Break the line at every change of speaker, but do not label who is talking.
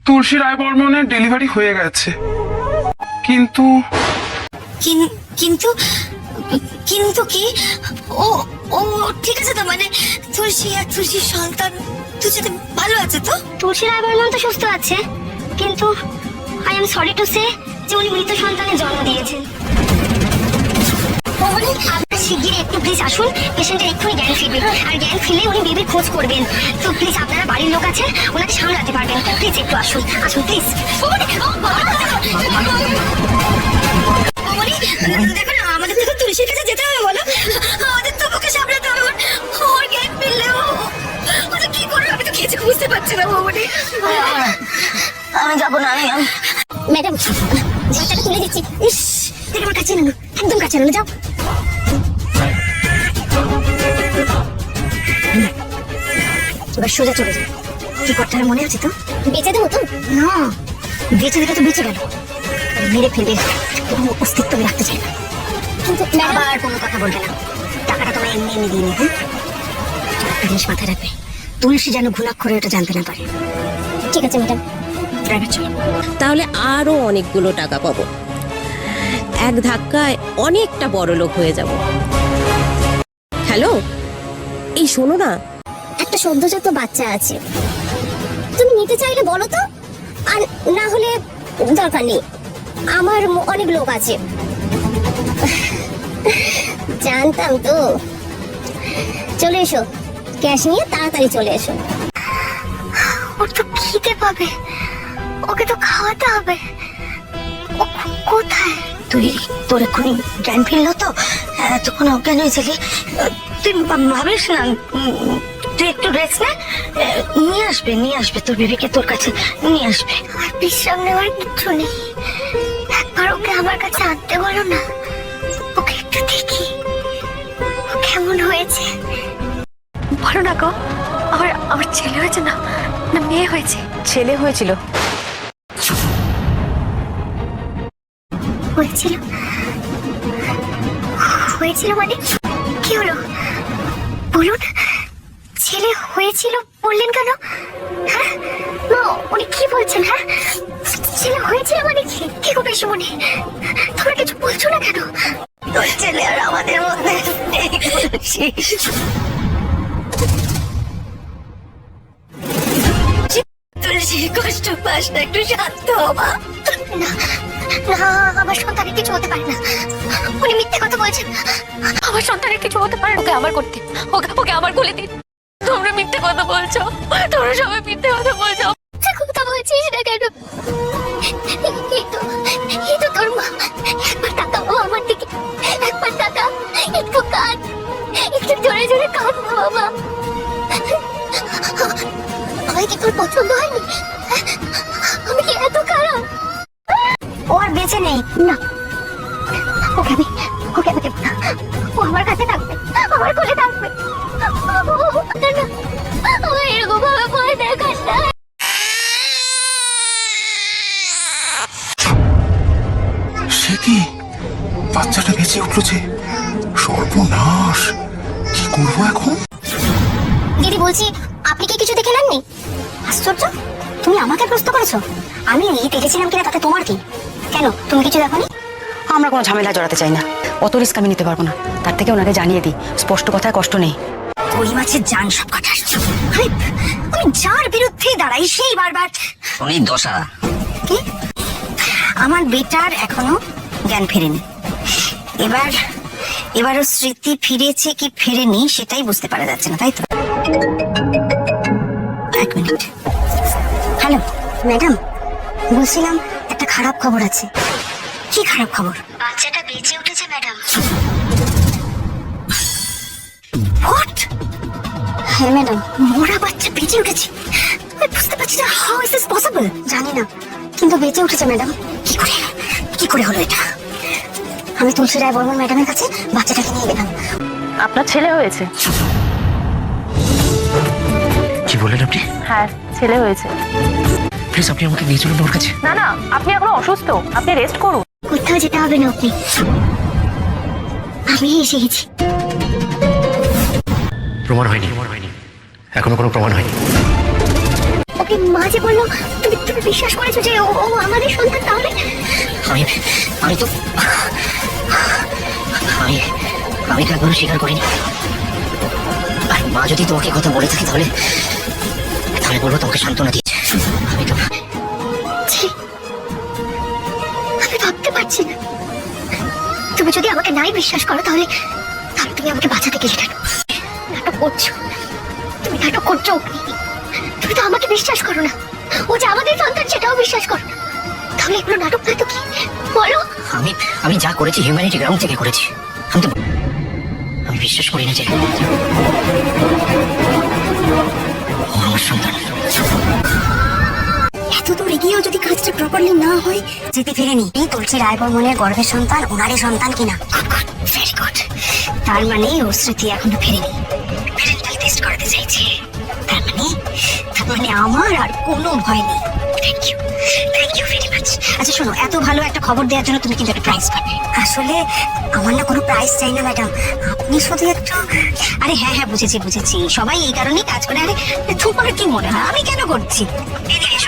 তুলসী রায় বর্মনের ডেলিভারি হয়ে গেছে, কিন্তু
কিন্তু কিন্তু কি? ও ও ঠিক আছে তো? মানে তুলসী আর তুলসীর সন্তান দুজনে ভালো আছে তো?
তুলসী রায় বর্মন তো সুস্থ আছে, কিন্তু I am sorry to say যে উনি মৃত সন্তানের জন্ম দিয়েছেন। আপনার শিগগিরই একটু প্লিজ আসুন, পেশেন্টের এক্ষুনি জ্ঞান ফিরবে, আর জ্ঞান ফিরলে উনি বেবির খোঁজ করবেন। তো প্লিজ আপনারা বাড়ির লোক আছেন, ওনাকে সামলাতে পারবেন, প্লিজ একটু আসুন, আসুন প্লিজ।
দেখো না, আমাদের তো তুলসীর কাছে যেতে হবে, বলো? আমাদের তো ওকে সামলাতে হবে। ওর জ্ঞান ফিরলে ও কি করবে আমি তো কিছু বুঝতে পারছি না বৌমনি।
আমি যাবো না, ম্যাডাম ঝাঁটাটা তুলে দিচ্ছি। ইস, দেখে আমার কাছে নেন, একদম কাছে নেন, যাও। এবার সোজা চলে যাও। কি করতে হবে মনে আছে তো? বেঁচে দেবো তো? না, বেঁচে দিলে তো বেঁচে গেল, মেরে ফেলবে, কোনো অস্তিত্ব আমি রাখতে চাই না। কিন্তু আবার কোনো কথা বলবে না, টাকাটা তোমায় এমনি এমনি দিয়ে নি। হ্যাঁ, একটা জিনিস মাথায় রাখবে, তুলসী যেন ঘুণাক্ষরে ওটা জানতে না পারে। ঠিক আছে ম্যাডাম, ড্রাইভার চলো।
তাহলে আরো অনেকগুলো টাকা পাবো, এক ধাক্কায় অনেকটা বড় লোক হয়ে যাব। হ্যালো, এই শোনো না,
একটা সদ্যজাত বাচ্চা আছে, তুমি নিতে চাইলে বলো তো, আর না হলে দরকার নেই, আমার অনেক লোক আছে। জানতাম তো। চলে এসো, ক্যাশ নিয়ে তাড়াতাড়ি চলে এসো। ওর তো খিদে পাবে, ওকে তো খাওয়াতে হবে। ও কোথায়?
তোর এক্ষুনি জ্ঞান ফিরলো তো? তখন অজ্ঞান হয়েছিলি, তুই ভাবিস না, তুই একটু রেস্ট নে, নিয়ে আসবে তোর বেবিকে, তোর কাছে নিয়ে আসবে।
আর বিশ্রাম নেওয়ার কিচ্ছু নেই, একবার ওকে আমার কাছে আনতে বলো না, ওকে একটু দেখি ও কেমন হয়েছে।
বলো না গো, আমার ছেলে হয়েছে না না মেয়ে হয়েছে?
ছেলে হয়েছিল।
হয়েছিল? হয়েছিল মানে কি হলো বলুন? ছেলে হয়েছিল বললেন কেন? হ্যাঁ মা, উনি কি বলছেন? হ্যাঁ, ছেলে হয়েছিল মানে কি গো পিসিমণি, তোমরা কিছু বলছো না কেন?
তোর ছেলে আর আমাদের মধ্যে তুলসী, কষ্ট পাস না, একটু শান্ত হবা।
না না, আমার সন্তানের কিছু হতে পারে না, উনি মিথ্যে কথা বলছেন।
আমার সন্তানের কিছু হতে পারে, ওকে আমার করতে, ওকে আমার কোলে দিন। তোমরা মিথ্যে কথা বলছো, তোমরা সবাই মিথ্যে কথা বলছো।
কথা বলছিস না কেন? এই তো তোর মা, একবার তাকাও আমার দিকে, একবার তাকা, একটু কাঁদ, একটু জোরে জোরে কাঁদ না বাবা। আমায় কি তোর পছন্দ হয়নি? আমি কি এত খারাপ? ও আর বেঁচে নেই না, ওকে আমি দেবো না, ও আমার কাছে থাকবে, আমার কোলে থাকবে। আমার এরকম ভাবে ভয় দেখাস না।
সে কি, বাচ্চাটা বেঁচে উঠলো যে, সর্বনাশ, কি করবো এখন?
দিদি বলছি, আপনি কি কিছু দেখে নেননি? আশ্চর্য, তুমি আমাকে প্রশ্ন করেছো, আমি দেখেছিলাম কিনা তাতে তোমার কি? কেন, তুমি কিছু দেখোনি?
আমরা কোনো ঝামেলা জড়াতে চাই না, অত রিস্ক আমি নিতে পারবো না, তার থেকে ওনাকে জানিয়ে দিই, স্পষ্ট কথায় কষ্ট নেই।
ওই মাছের জান সব কাটার। আমি যার বিরুদ্ধে দাঁড়াই সেই বারবার
উনি দশা।
কি? আমার বেটার এখনো জ্ঞান ফেরেনি, এবারও স্মৃতি ফিরেছে কি ফেরেনি সেটাই বুঝতে পারা যাচ্ছে না, তাই তো? এক মিনিট।
হ্যালো ম্যাডাম, বলছিলাম একটা খারাপ খবর আছে।
কি খারাপ খবর?
বাচ্চাটা বেঁচে উঠেছে ম্যাডাম।
হোয়াট?
হ্যাঁ ম্যাডাম,
মোরা বাচ্চা বেঁচে উঠেছে? আমি বুঝতে পারছি না, হাউ ইজ দিস পসিবল?
জানি না, কিন্তু বেঁচে উঠেছে ম্যাডাম।
কি করে হলো এটা?
আমি তুলসী রায় বর্মন ম্যাডামের কাছে বাচ্চাটাকে নিয়ে গেলাম।
আপনার ছেলে হয়েছে?
কি বললেন আপনি?
হ্যাঁ, ছেলে হয়েছে।
প্লিজ আপনি আমাকে নিয়ে চলুন ওর কাছে।
না না, আপনি এখন অসুস্থ, আপনি রেস্ট করুন।
কোথাও যেতে হবে না আপনি, আমি এসে গেছি।
প্রমাণ হয়নি, এখনো কোনো প্রমাণ হয়নি।
ওকে মা যে বললো, তুমি তুমি বিশ্বাস করেছো যে ও ও আমাদের সন্তান? তাহলে
আমি আমি তো আমি আমি তো একবারও স্বীকার করিনি। আর মা যদি তোমাকে কথা বলে থাকে তাহলে তাহলে বলবো তোমাকে সান্ত্বনা দিয়েছে। আমি তো
ছি, আমি ভাবতে পারছি না। তুমি যদি আমাকে নাই বিশ্বাস করো তাহলে তাহলে তুমি আমাকে বাঁচাতে গেলে কেন? নাটক করছো, তুমি নাটক করছো। তুমি তো আমাকে বিশ্বাস করো না, ও যে আমাদের সন্তান সেটাও বিশ্বাস করো না। তাহলে এগুলো নাটক নয় তো কি? বলো।
আমি আমি যা করেছি হিউম্যানিটি গ্রাউন্ড থেকে করেছি। আমি বিশ্বাস করি না যে ও আমার সন্তান।
এত দূর এগিয়েও যদি কাজটা প্রপারলি না হয়।
যেতে ফিরেনি তুলসী রায়বর্মনের গর্ভের সন্তান ওনারই সন্তান কিনা।
Very good. তার মানে ওর স্মৃতি এখনো ফেরেনি, প্যারেন্টাল টেস্ট করাতে চাইছে। তার মানে আমার আর কোনো ভয় নেই। Thank you very much. আচ্ছা শোনো, এত ভালো একটা খবর দেওয়ার জন্য তুমি কিন্তু একটা প্রাইজ পাবে।
আসলে আমার না কোনো প্রাইজ চাই না ম্যাডাম, আপনি শুধু একটু।
আরে হ্যাঁ হ্যাঁ, বুঝেছি। সবাই এই কারণেই কাজ করে। আরে তোমার কি মনে হয় আমি কেন করছি?